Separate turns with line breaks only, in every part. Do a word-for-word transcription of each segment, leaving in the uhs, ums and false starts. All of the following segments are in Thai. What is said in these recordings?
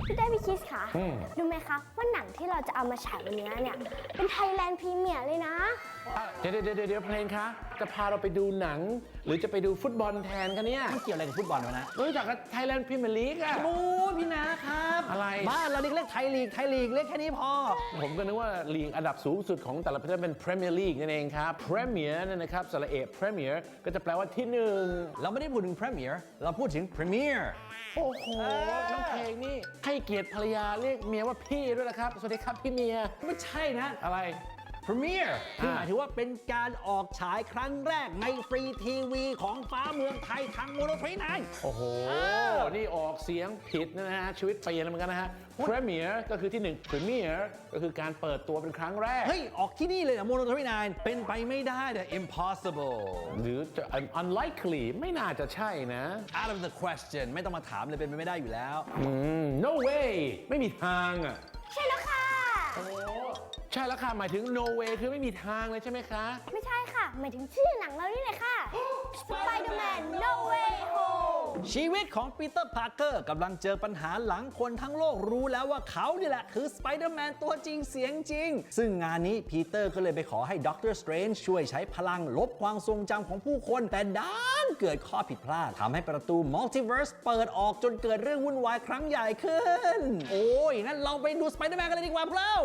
พี่ได้พี่คิสค่ะรู้ไหมคะว่าหนังที่เราจะเอามาฉายวันนี้เนี่ยเป็นไทยแลนด์พรีเมียร์เลยนะ
เดี๋ยวเดี๋ยวเดี๋ยวเพลงคะจะพาเราไปดูหนังหรือจะไปดูฟุตบอลแทนคะเนี่ย
มันเกี่ยวอะไรกับฟุตบอลวะนะ
รู้จักกับไทยแลนด์พรีเมียร์ลีกอะ
โอ้พี่นะครับ
อะไร
บ้านเราเรียกไทยลีกไทยลีกเรียกแค่นี้พอ
ผมก็นึกว่าลีกอันดับสูงสุดของแต่ละประเทศเป็นพรีเมียร์ลีกนั่นเองครับพรีเมียร์นั่นนะครับสระเอกพรีเมียร์ก็จะแปลว่าที่หนึ่ง
เราไม่ได้พูดถึงพรีเมียร์เราพูดถึงพรีเมียร์
โอ้โหน้องเพลงนี่ให้เกียรติภรรยาเรียกเมียว่าพี่ด้วยนะครับสวัสดีครับพี่เมีย
ไม่ใช่นะ
อะไร
พรีเมียร์คือหมายถึงว่าเป็นการออกฉายครั้งแรกในฟรีทีวีของฟ้าเมืองไทยทางโมโนทรีไนน์
โอ้โหนี่ออกเสียงผิดนะฮะชีวิตเปลี่ยนเหมือนกันนะฮะพรีเมียร์ก็คือที่หนึ่งพรีเมียร์ก็คือการเปิดตัวเป็นครั้งแรก
เฮ้ยออกที่นี่เลยนะโมโนทรีไนน์เป็นไปไม่ได้แต่ impossible
หรือจะ unlikely ไม่น่าจะใช่นะ
out of the question ไม่ต้องมาถามเลยเป็นไปไม่ได้อยู่แล้ว
อืม no way ไม่มีทางอ่ะ
ใช่แล้วค่ะ
โอ้ใช่แล้วค่ะหมายถึง no way คือไม่มีทางเลยใช่ไหมคะ
ไม่ใช่ค่ะหมายถึงชื่อหนังเรานี่เลยค่ะ Spider-Man No Way Home
ชีวิตของปีเตอร์พาร์เกอร์กำลังเจอปัญหาหลังคนทั้งโลกรู้แล้วว่าเขานี่แหละคือ Spider-Man ตัวจริงเสียงจริงซึ่งงานนี้ปีเตอร์ก็เลยไปขอให้ด็อกเตอร์สเตรนจ์ช่วยใช้พลังลบความทรงจำของผู้คนแต่ด้านเกิดข้อผิดพลาดทำให้ประตูมัลติเวิร์สเปิดออกจนเกิดเรื่องวุ่นวายครั้งใหญ่ขึ้นโอ้ยงั้นเราไปดู Spider-Man กันเลยดีกว่าพวกเรา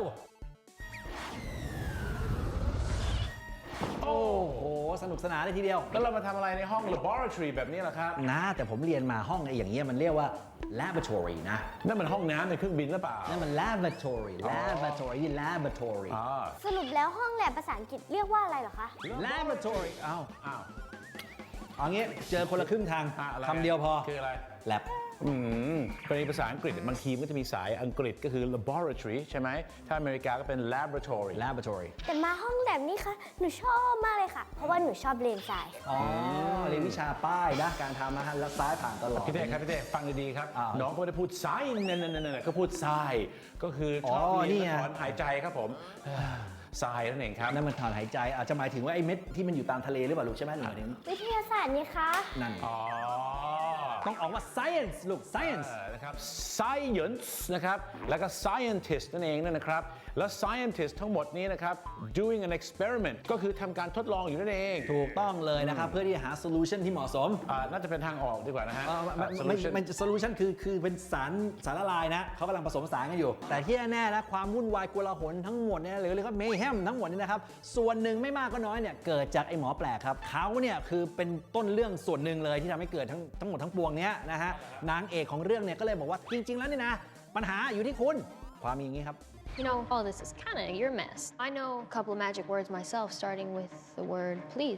โอ้โหสนุกสนานเลยทีเดียว
แล้วเรามาทำอะไรในห้อง laboratory แบบนี้ล่ะครับ
นะแต่ผมเรียนมาห้องไอ้อย่างเงี้ยมันเรียกว่า laboratory นะ
นั่นมันห้องน้ำในเครื่องบินหรือเปล่า
นั่นมัน laboratory laboratory นี่ laboratory
สรุปแล้วห้องแลบภาษาอังกฤษเรียกว่าอะไรเหรอคะ
laboratory
อ้าวอ้าว
เอางี้เจอคนละครึ่งทางคำเดียวพอ
คืออะไร
lab
อืมกรณีภาษาอังกฤษบางทีมันจะมีสายอังกฤษก็คือ laboratory ใช่ไหมถ้าอเมริกาก็เป็น laboratory
laboratory
แต่มาห้องแลบนี่ค่ะหนูชอบมากเลยค่ะเพราะว่าหนูชอบเรียนสาย
อ๋อเรียนวิชาป้ายนะการทำนะฮะแล้วซ้ายผ่านตลอด
พี่เต้ครับพี่เต้ฟังดีๆครับน้องก็ไม่ได้พูดซ้ายนั่นๆๆก็พูดซ้ายก็คือชอบเรียนถอนหายใจครับผมทรายนั่นเองครับ
นั่นมันถอนหายใจอาจจะหมายถึงว่าไอ้เม็ดที่มันอยู่ตามทะเลหรือเปล่าลูกใช่ไหมหรือถึง
วิทยาศาสตร์นี่คะ
นั่น
อ๋อ
ต้องออกว่า science ลูก science
นะครับ science นะครับแล้วก็ scientist นั่นเองนะครับแล้ว scientist ทั้งหมดนี้นะครับ doing an experiment ก็คือทำการทดลองอยู่นั่นเอง
ถูกต้องเลยนะครับเพื่อที่จะหา solution ที่เหมาะสม
อ่าน่าจะเป็นทางออกดีกว่านะฮะ
ไม่ไม่ solution คือคือเป็นสารสารละลายนะเขากำลังผสมผสานกันอยู่แต่ที่แน่ๆนะความวุ่นวายโกลาหลทั้งหมดเนี่ยหรือเรียกว่าเมแฮมทั้งหมดนี่นะครับส่วนหนึ่งไม่มากก็น้อยเนี่ยเกิดจากไอ้หมอแปลกครับเขาเนี่ยคือเป็นต้นเรื่องส่วนหนึ่งเลยที่ทำให้เกิดทั้งทั้งหมดทั้งปวงเนี้ยนะฮะนางเอกของเรื่องเนี่ยก็เลยบอกว่าจริงๆแล้วนี่นะปัญหาอยู่ที่คุณความมีอย่างนี้ครับ
You know, all this is kind of your mess. I know a couple of magic words myself, starting with the word please.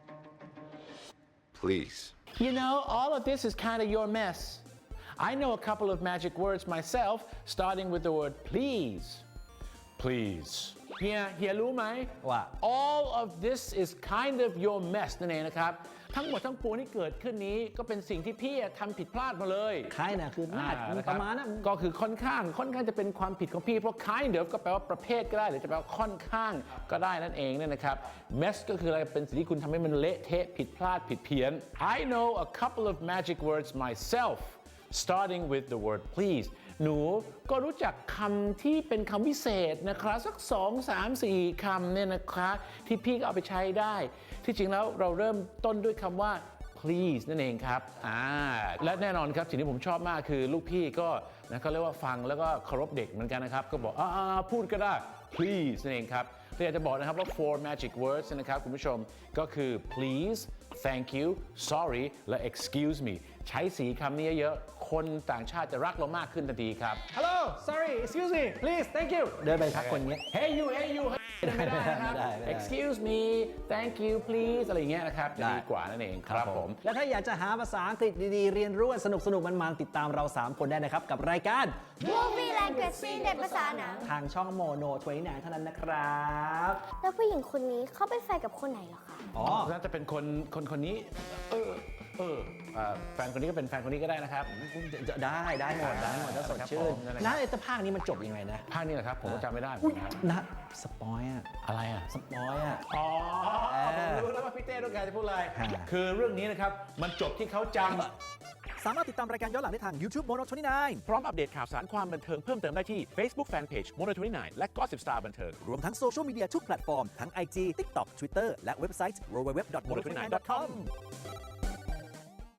Please.
You know, all of this is kind of your mess. I know a couple of magic words myself, starting with the word please. Please. เฮียเฮียรู้ไหม
ว่า
all of this is kind of your mess นั่นเองนะครับทั้งหมดทั้งปวงที่เกิดขึ้นนี้ก็เป็นสิ่งที่พี่ทำผิดพลาดมาเลย
คล้ายนะคือน่าประมาณนั้น
ก็คือค่อนข้างค่อนข้างจะเป็นความผิดของพี่เพราะ kind of ก็แปลว่าประเภทก็ได้หรือจะแปลว่าค่อนข้างก็ได้นั่นเองเนี่ยนะครับ mess ก็คืออะไรเป็นสิ่งที่คุณทำให้มันเละเทะผิดพลาดผิดเพี้ยน I know a couple of magic words myself starting with the word please หนูก็รู้จักคำที่เป็นคำวิเศษนะครับสักสองสามสี่คำเนี่ยนะคะที่พี่ก็เอาไปใช้ได้ที่จริงแล้วเราเริ่มต้นด้วยคำว่า please นั่นเองครับอ่าและแน่นอนครับสิ่งที่ผมชอบมากคือลูกพี่ก็นะเขาเรียกว่าฟังแล้วก็เคารพเด็กเหมือนกันนะครับก็บอกอ่าพูดก็ได้ please นั่นเองครับแต่อยากจะบอกนะครับว่า four magic words นะครับคุณผู้ชมก็คือ please thank you sorry และ excuse me ใช้สีคำนี้เยอะๆคนต่างชาติจะรักเรามากขึ้นทันทีครับ
Hello sorry excuse me please thank you เดินไปทักคนนี้
Hey you Hey you ไม่ได้นะครับ excuse me thank you please อะไรอย่างเงี้ยนะครับจะดีกว่านั่นเองครับผม
และถ้าอยากจะหาภาษาอังกฤษดีๆเรียนรู้สนุกสนุกมันๆติดตามเราสามคนได้นะครับกับรายการ
Movie Language ซีนเด็ดภาษาหนัง
ทางช่องโมโนทเวนตี้ไนน์เท่านั้นนะครับ
แล้วผู้หญิงคนนี้เขาเป็นแฟนกับคนไหนเหรอคะ
อ๋อน่าจะเป็นคนคนคนนี้เออเอออเอ่อแฟนคนนี้ก็เป็นแฟนคนนี้ก็ได้นะครับ
ได้ได้หมดได้หมดถ้าสดชื่น
ครับผม
นะไอ้ตะภาคนี้มันจบยังไงนะ
ภาคนี้แหละครับผมก็จำไม่ได้เหมือนกันนะครับ
นะสปอยอะ
อะไรอ่ะ
สปอยอะ
อ๋อ
เออ
ผมรู้แล้วว่าพี่เต้ต้องการจะพูดอะไร
ฮะ
คือเรื่องนี้นะครับ มันจบที่เขาจำ
สามารถติดตามรายการย้อนหลังได้ทาง YouTube Mono ยี่สิบเก้า
พร้อมอัปเดตข่าวสารความบันเทิงเพิ่มเติมได้ที่ Facebook Fanpage Mono ยี่สิบเก้า และ Gossip Star บันเทิง
รวมทั้งโซเชียลมีเดียทุกแพลตฟอร์ม ทั้ง ไอ จี TikTok Twitter และเว็บไซต์ ดับเบิลยู ดับเบิลยู ดับเบิลยู ดอท โมโน ยี่สิบเก้า ดอท คอม